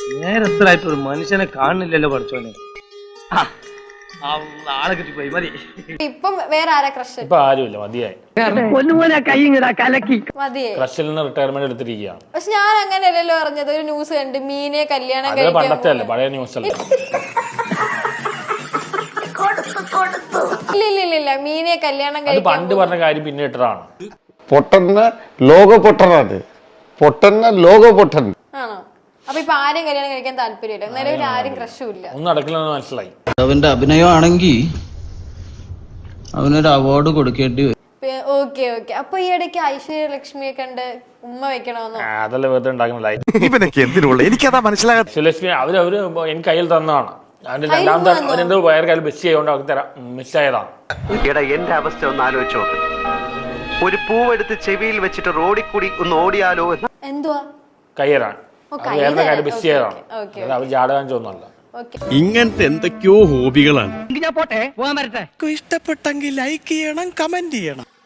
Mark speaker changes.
Speaker 1: നേരത്തിലായിട്ട് ഒരു മനുഷ്യനെ കാണുന്നില്ലല്ലോ പഠിച്ചോനെ. ആളെ കിട്ടിപ്പോയി മതി.
Speaker 2: ഇപ്പം വേറെ ആരാ ക്രഷ്?
Speaker 3: ഇപ്പൊ ആരുമില്ല, മതിയായി.
Speaker 2: മതിയെ
Speaker 3: ക്രഷിൽ നിന്ന് റിട്ടയർമെന്റ് എടുത്തിരിക്കുകയാണ്.
Speaker 2: പക്ഷെ ഞാൻ അങ്ങനെയല്ലല്ലോ പറഞ്ഞത്. ഒരു ന്യൂസ് കണ്ട് മീനെ കല്യാണം
Speaker 3: അത് പണ്ടത്തെ അല്ലേ, പഴയ ന്യൂസ് അല്ലേ.
Speaker 2: ഇല്ല മീനെ കല്യാണം
Speaker 3: അത് പണ്ട് പറഞ്ഞ കാര്യം പിന്നെ ഇട്ടതാണ്.
Speaker 4: പൊട്ടന്ന ലോക പൊട്ടനാണ്, പൊട്ടന്ന ലോക പൊട്ടൻ
Speaker 2: ആണോ? അപ്പൊ ഇപ്പൊ ആരെയും കല്യാണം കഴിക്കാൻ താല്പര്യമില്ല, നിലവിൽ ആരും ക്രഷും ഇല്ല.
Speaker 3: ഒന്നും നടക്കില്ലെന്ന് മനസ്സിലായി.
Speaker 5: അവന്റെ അഭിനയമാണെങ്കിൽ അവനൊരു അവാർഡ് കൊടുക്കേണ്ടി വരും.
Speaker 2: ഓക്കെ അപ്പൊ ഈ ഇടയ്ക്ക് ഐശ്വര്യലക്ഷ്മിയെ കണ്ട് ഉമ്മ വെക്കണമെന്നോ?
Speaker 3: അതല്ല വെറുതെ ഉണ്ടാക്കുന്നില്ല.
Speaker 6: എനിക്കതാ മനസ്സിലാകാത്ത.
Speaker 3: ശ്രീലക്ഷ്മി അവര് എനിക്ക് കയ്യിൽ തന്നതാണ്. അതിന്റെ രണ്ടാമത്തെ അവരെന്തോ വേറെ കാര്യം മിസ് ചെയ്തുകൊണ്ട് അവർക്ക് തരാം, മിസ്സായതാണ്.
Speaker 7: എടാ എന്റെ അവസ്ഥ ഒന്ന് ആലോചിച്ചോ. ഒരു പൂവെടുത്ത് ചെവിയിൽ വെച്ചിട്ട് റോഡിൽ കൂടി ഒന്ന് ഓടിയാലോ എന്ന്.
Speaker 2: എന്തുവാ?
Speaker 3: കയ്യേറാൻ വേറെ കാര്യം മിസ് ചെയ്തതാണ്. അവർ ജാടകാൻ ചോന്നല്ല.
Speaker 6: ഇങ്ങനത്തെ എന്തൊക്കെയോ ഹോബികളാണ്.
Speaker 1: ഞാൻ പോട്ടെ, പോകാൻ വരട്ടെ.
Speaker 6: ഇഷ്ടപ്പെട്ടെങ്കിൽ ലൈക്ക് ചെയ്യണം, കമന്റ് ചെയ്യണം.